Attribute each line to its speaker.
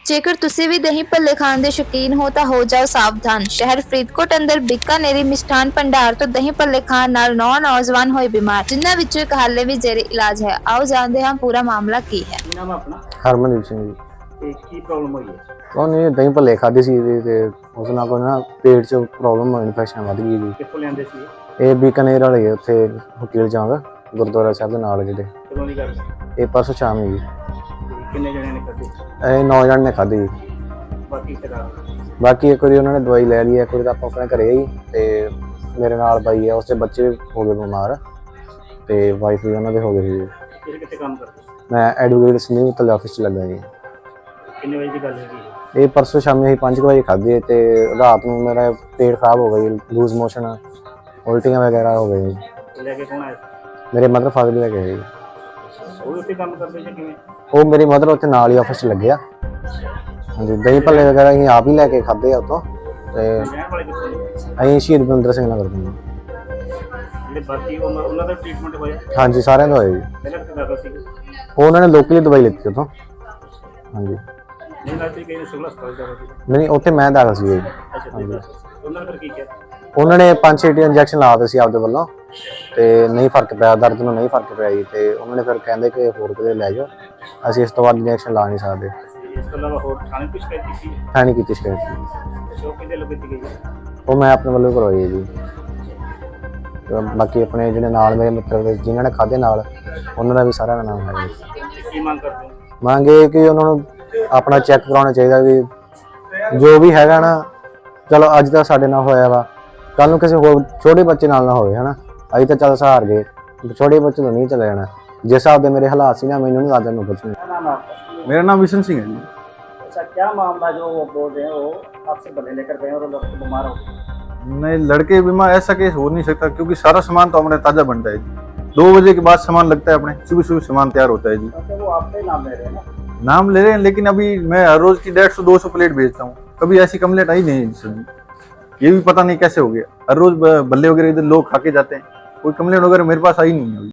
Speaker 1: ਜੇਕਰ ਤੁਸੀਂ ਵੀ ਦਹੀਂ ਭੱਲੇ ਖਾਣ ਦੇ ਸ਼ੌਕੀਨ ਹੋ ਤਾਂ ਹੋ ਜਾਓ ਸਾਵਧਾਨ। ਸ਼ਹਿਰ ਫਰੀਦਕੋਟ ਅੰਦਰ ਬੀਕਾਨੇਰੀ ਮਿਸ਼ਠਾਨ ਭੰਡਾਰ ਤੋਂ ਦਹੀਂ ਭੱਲੇ ਖਾਣ ਨਾਲ 9 ਨੌਜਵਾਨ ਹੋਏ ਬਿਮਾਰ, ਜਿਨ੍ਹਾਂ ਵਿੱਚੋਂ ਇੱਕ ਹਾਲੇ ਵੀ ਜ਼ੇਰੇ ਇਲਾਜ ਹੈ। ਆਓ ਜਾਣਦੇ ਹਾਂ ਪੂਰਾ ਮਾਮਲਾ ਕੀ ਹੈ।
Speaker 2: ਕੀ ਨਾਮ ਹੈ ਆਪਣਾ
Speaker 3: ਹਰਮਨਦੀਪ ਸਿੰਘ ਜੀ।
Speaker 2: ਤੇ ਕੀ ਪ੍ਰੋਬਲਮ ਹੋਈ ਹੈ?
Speaker 3: ਉਹਨੇ ਦਹੀਂ ਭੱਲੇ ਖਾਧੇ ਸੀ ਤੇ ਉਸ ਨਾਲ ਕੋਈ ਨਾ ਪੇਟ 'ਚ ਪ੍ਰੋਬਲਮ ਇਨਫੈਕਸ਼ਨ ਵੱਧ ਗਈ ਜੀ।
Speaker 2: ਕਿੱਥੋਂ ਲਿਆਂਦੇ ਸੀ?
Speaker 3: ਇਹ ਬੀਕਾਨੇਰ ਵਾਲੇ ਆ, ਉੱਥੇ ਵਕੀਲ ਚੌਂਕ ਗੁਰਦੁਆਰਾ ਸਾਹਿਬ ਦੇ ਨਾਲ ਜਿਹੜੇ।
Speaker 2: ਕਦੋਂ ਦੀ ਗੱਲ?
Speaker 3: ਇਹ ਪਰਸੋਂ ਸ਼ਾਮ ਜੀ।
Speaker 2: ਤੇ ਕਿੰਨੇ ਜਣਿਆਂ ਨੇ ਖਾਧੇ?
Speaker 3: ਇਹ 9 ਜਣੇ ਨੇ ਖਾਧੀ ਜੀ।
Speaker 2: ਬਾਕੀ ਕਿਹੜਾ?
Speaker 3: ਬਾਕੀ ਇੱਕ ਵਾਰੀ ਉਹਨਾਂ ਨੇ ਦਵਾਈ ਲੈ ਲਈ, ਇੱਕ ਵਾਰੀ ਤਾਂ ਆਪਾਂ ਆਪਣੇ ਘਰੇ ਹੀ ਤੇ ਮੇਰੇ ਨਾਲ ਬਾਈ ਆ, ਉਸਦੇ ਬੱਚੇ ਹੋ ਗਏ ਬਿਮਾਰ ਤੇ ਵਾਈਫ ਵੀ ਉਹਨਾਂ ਦੇ ਹੋ ਗਏ ਸੀ।
Speaker 2: ਤੁਸੀਂ ਕਿੱਥੇ ਕੰਮ ਕਰਦੇ?
Speaker 3: ਮੈਂ ਐਡਵੋਕੇਟ ਸੰਦੀਪ ਤਲ ਆਫਿਸ 'ਚ ਲੱਗਾ ਜੀ।
Speaker 2: ਕਿੰਨੇ ਵਜੇ ਦੀ ਗੱਲ ਹੈਗੀ?
Speaker 3: ਇਹ ਪਰਸੋਂ ਸ਼ਾਮੀ ਅਸੀਂ 5 ਵਜੇ ਖਾਧੀ ਤੇ ਰਾਤ ਨੂੰ ਮੇਰਾ ਪੇਟ ਖਰਾਬ ਹੋ ਗਿਆ, ਲੂਜ਼ ਮੋਸ਼ਨ, ਉਲਟੀਆਂ ਵਗੈਰਾ ਹੋ ਗਏ।
Speaker 2: ਲੈ ਕੇ ਕੌਣ ਆਇਆ?
Speaker 3: ਮੇਰੇ ਮਦਰ ਫਾਦਰ ਲੈ ਕੇ ਆਏ।
Speaker 2: ਉਹ ਉੱਥੇ ਕੰਮ ਕਰਦੇ ਜਾਂ ਕਿਵੇਂ?
Speaker 3: ਉਹ ਮੇਰੀ ਮਦਰ ਉੱਥੇ ਨਾਲ ਹੀ ਆਫਿਸ 'ਚ ਲੱਗੇ ਆ। ਹਾਂਜੀ, ਦਹੀਂ ਭੱਲੇ ਵਗੈਰਾ ਅਸੀਂ ਆਪ ਹੀ ਲੈ ਕੇ ਖਾਧੇ ਆ ਉੱਥੋਂ। ਤੇ
Speaker 2: ਰਹਿਣ ਵਾਲੇ ਕਿੱਥੋਂ ਨੇ?
Speaker 3: ਅਸੀਂ ਸ਼ਹੀਦ ਬਲਵਿੰਦਰ ਸਿੰਘ ਨਗਰ ਤੋਂ।
Speaker 2: ਜਿਹੜੇ ਬਾਕੀ ਉਹਨਾਂ ਦਾ ਟ੍ਰੀਟਮੈਂਟ ਹੋਇਆ?
Speaker 3: ਹਾਂਜੀ, ਸਾਰਿਆਂ ਦਾ ਹੋਇਆ ਜੀ।
Speaker 2: ਪਹਿਲਾਂ ਕਿੱਥੇ ਦਾਖਲ ਸੀ?
Speaker 3: ਉਹ ਉਹਨਾਂ ਨੇ ਲੋਕਲੀ ਦਵਾਈ ਲਿੱਤੀ ਉੱਥੋਂ। ਹਾਂਜੀ,
Speaker 2: ਨਹੀਂ ਲੱਗਦੀ ਕਿ ਸਿਵਲ ਹਸਪਤਾਲ ਦਾ ਸੀ?
Speaker 3: ਨਹੀਂ ਉੱਥੇ ਮੈਂ ਦਾਖਲ ਸੀ ਜੀ।
Speaker 2: ਅੱਛਾ,
Speaker 3: ਹਾਂਜੀ,
Speaker 2: ਉਹਨਾਂ ਨੇ ਫਿਰ ਕੀ ਕਿਹਾ?
Speaker 3: ਉਹਨਾਂ ਨੇ 5-6 ਇੰਜੈਕਸ਼ਨ ਲਾ ਦਿੱਤੇ ਸੀ ਆਪਦੇ ਵੱਲੋਂ ਤੇ ਨਹੀਂ ਫਰਕ ਪਿਆ, ਦਰਦ ਨੂੰ ਨਹੀਂ ਫਰਕ ਪਿਆ ਜੀ। ਤੇ ਉਹਨਾਂ ਨੇ ਫਿਰ ਕਹਿੰਦੇ ਕਿ ਹੋਰ ਕਿਤੇ ਲੈ ਜਾਓ, ਅਸੀਂ ਇਸ ਤੋਂ ਬਾਅਦ ਇੰਜੈਕਸ਼ਨ ਲਾ ਨਹੀਂ ਸਕਦੇ।
Speaker 2: ਇਸ ਤੋਂ ਇਲਾਵਾ ਹੋਰ ਥਾਣੇ ਕੁਝ ਸ਼ਿਕਾਇਤ ਕੀਤੀ?
Speaker 3: ਹੈ ਨਹੀਂ ਕੀਤੀ ਸ਼ਿਕਾਇਤ।
Speaker 2: ਸ਼ੋਅ ਕਿਹਦੇ ਲੋਕ ਕੀਤੀ ਗਈ?
Speaker 3: ਉਹ ਮੈਂ ਆਪਣੇ ਵੱਲੋਂ ਕਰਵਾਈ ਹੈ ਜੀ। ਤੇ ਬਾਕੀ ਆਪਣੇ ਜਿਹੜੇ ਨਾਲ ਮੇਰੇ ਮਿੱਤਰ ਜਿਨ੍ਹਾਂ ਨੇ ਖਾਧੇ ਨਾਲ, ਉਹਨਾਂ ਦਾ ਵੀ ਸਾਰਿਆਂ ਦਾ ਨਾਮ ਹੈ ਜੀ।
Speaker 2: ਕੀ ਮੰਗ ਕਰਦੇ ਹੋ?
Speaker 3: ਮੰਗ ਇਹ ਕਿ ਉਹਨਾਂ ਨੂੰ ਆਪਣਾ ਚੈੱਕ ਕਰਾਉਣਾ ਚਾਹੀਦਾ ਵੀ ਜੋ ਵੀ ਹੈਗਾ ਨਾ, ਚਲੋ ਅੱਜ ਤਾਂ ਸਾਡੇ ਨਾਲ ਹੋਇਆ ਵਾ, ਕੱਲ ਨੂੰ ਕਿਸੇ ਹੋਰ ਛੋਟੇ ਬੱਚੇ ਨਾਲ ਨਾ ਹੋਵੇ, ਹਨਾ। ਅਸੀਂ ਤਾਂ ਚੱਲ ਸਹਾਰ ਗਏ, ਛੋਟੇ ਬੱਚੇ ਤੋਂ ਨਹੀਂ ਚਲੇ ਜਾਣਾ। जिस हिसाब से मेरे हालात से ना, मैंने नहीं आता मैं कुछ नहीं।
Speaker 2: क्या नाम है आपका?
Speaker 4: मेरा नाम विशन सिंह है जी।
Speaker 2: अच्छा, क्या मामला जो वो बोल रहे हैं वो आपसे भले लेकर गए और लड़के बीमार हो गए?
Speaker 4: नहीं, लड़के बीमार ऐसा केस हो नहीं सकता क्योंकि सारा सामान तो हमारे ताज़ा बनता है जी। 2 बजे के बाद सामान लगता है, अपने सुबह सुबह सामान तैयार होता है जी।
Speaker 2: तो वो आपके नाम ले रहे हैं ना?
Speaker 4: नाम ले रहे हैं, लेकिन अभी मैं हर रोज़ की 150-200 प्लेट भेजता हूँ, कभी ऐसी कंप्लेंट आई नहीं है सर जी। ये भी पता नहीं कैसे हो गया। हर रोज़ भल्ले वगैरह इधर लोग खा के जाते हैं, कोई कंप्लेंट वगैरह मेरे पास आई नहीं है अभी।